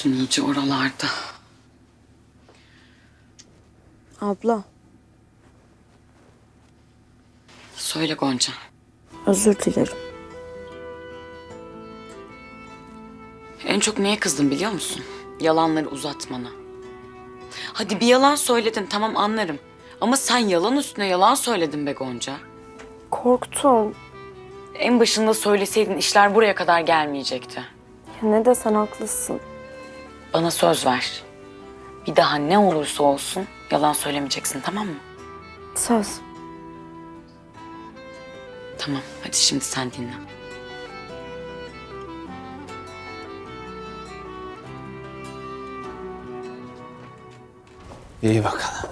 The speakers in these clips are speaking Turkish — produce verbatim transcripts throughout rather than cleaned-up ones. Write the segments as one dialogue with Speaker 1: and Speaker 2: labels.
Speaker 1: Unuttun iyice oralarda.
Speaker 2: Abla,
Speaker 1: Söyle Gonca.
Speaker 2: özür dilerim.
Speaker 1: En çok neye kızdım biliyor musun? Yalanları uzatmana. Hadi bir yalan söyledin, tamam anlarım. Ama sen yalan üstüne yalan söyledin be Gonca.
Speaker 2: Korktum.
Speaker 1: En başında söyleseydin işler buraya kadar gelmeyecekti.
Speaker 2: Ya ne desen haklısın.
Speaker 1: Bana söz ver. Bir daha ne olursa olsun yalan söylemeyeceksin, tamam mı?
Speaker 2: Söz.
Speaker 1: Tamam, hadi şimdi sen dinle.
Speaker 3: İyi bakalım.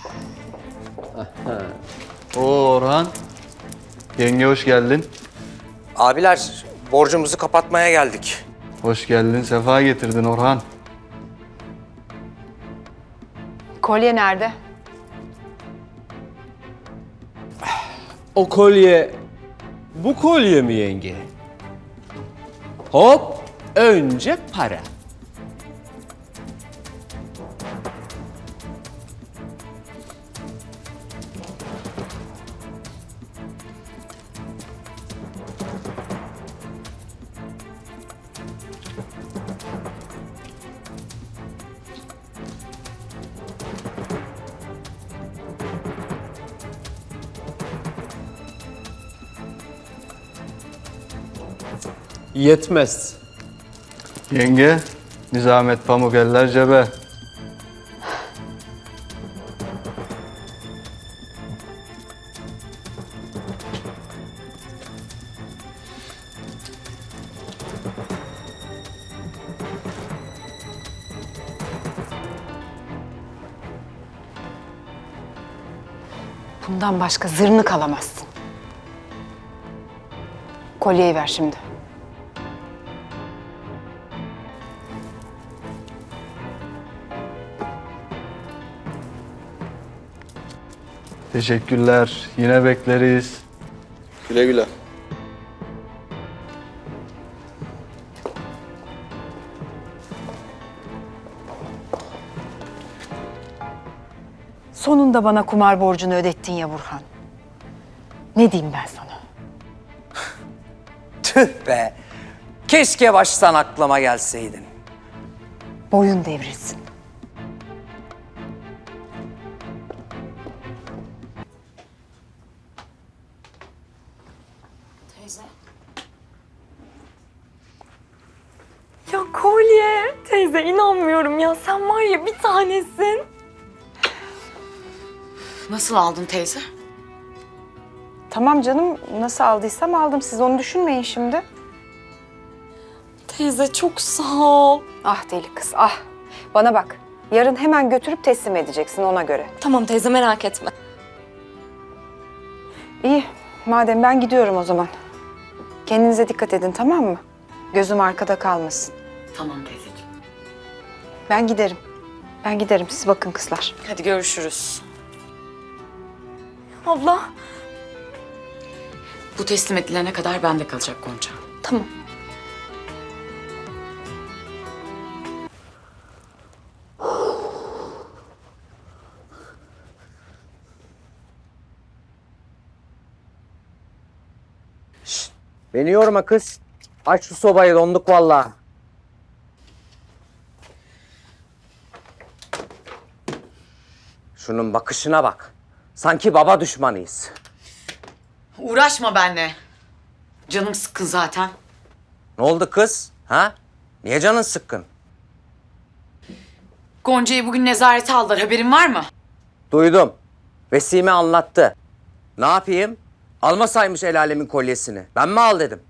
Speaker 3: Oo Orhan. Yenge hoş geldin.
Speaker 4: Abiler, borcumuzu kapatmaya geldik.
Speaker 3: Hoş geldin, sefa getirdin Orhan.
Speaker 5: Kolye nerede?
Speaker 6: O kolye, bu kolye mi yenge? Hop, önce para. Yetmez.
Speaker 3: Yenge, nizamet pamuk eller cebe.
Speaker 5: Bundan başka zırnık alamazsın. Kolyeyi ver şimdi.
Speaker 3: Teşekkürler, yine bekleriz.
Speaker 7: Güle güle.
Speaker 5: Sonunda bana kumar borcunu ödettin ya Burhan. Ne diyeyim ben sana?
Speaker 4: Tüh be! Keşke baştan aklıma gelseydin.
Speaker 5: Boyun devrilsin.
Speaker 2: Ya kolye. Teyze inanmıyorum ya. Sen var ya bir tanesin.
Speaker 1: Nasıl aldın teyze?
Speaker 5: Tamam canım, nasıl aldıysam aldım. Siz onu düşünmeyin şimdi.
Speaker 2: Teyze çok sağ ol.
Speaker 5: Ah deli kız, ah. Bana bak, yarın hemen götürüp teslim edeceksin ona göre.
Speaker 2: Tamam teyze merak etme.
Speaker 5: İyi, madem ben gidiyorum o zaman. Kendinize dikkat edin, tamam mı? Gözüm arkada kalmasın.
Speaker 1: Tamam teyzeciğim.
Speaker 5: Ben giderim. Ben giderim, siz bakın kızlar.
Speaker 1: Hadi görüşürüz.
Speaker 2: Abla.
Speaker 1: Bu teslim edilene kadar bende kalacak Gonca.
Speaker 2: Tamam.
Speaker 4: Beni yorma kız. Aç şu sobayı, donduk vallahi. Şunun bakışına bak. Sanki baba düşmanıyız.
Speaker 1: Uğraşma benimle. Canım sıkkın zaten.
Speaker 4: Ne oldu kız? Ha? Niye canın sıkkın?
Speaker 1: Gonca'yı bugün nezarete aldılar. Haberin var mı?
Speaker 4: Duydum. Vesime anlattı. Ne yapayım? Almasaymış el alemin kolyesini. Ben mi al dedim?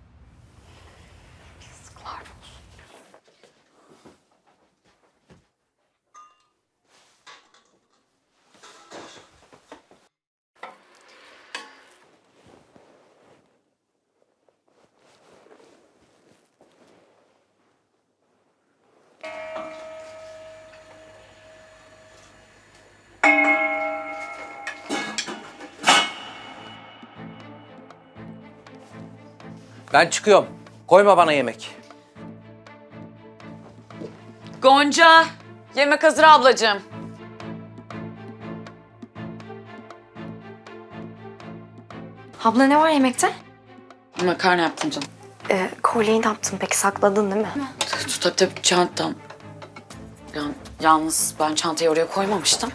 Speaker 4: Ben çıkıyorum. Koyma bana yemek.
Speaker 1: Gonca, yemek hazır ablacığım.
Speaker 2: Abla ne var yemekte?
Speaker 1: Makarna yaptım canım.
Speaker 2: Ee, kolyeyi ne yaptın peki? Sakladın değil mi?
Speaker 1: Tabii tabii çantam. Yani, yalnız ben çantayı oraya koymamıştım.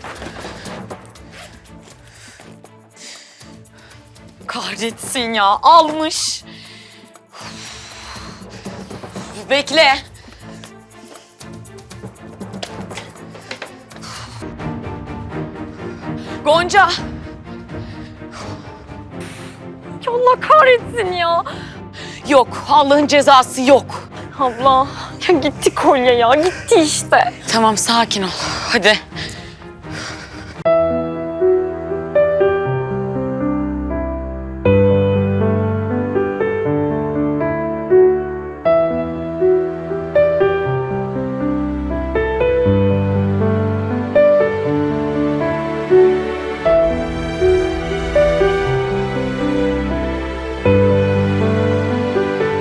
Speaker 1: Kahretsin ya, almış. Bekle. Gonca.
Speaker 2: Ya Allah kahretsin ya.
Speaker 1: Yok, Allah'ın cezası yok.
Speaker 2: Abla ya gitti kolye ya gitti işte.
Speaker 1: Tamam, sakin ol. Hadi.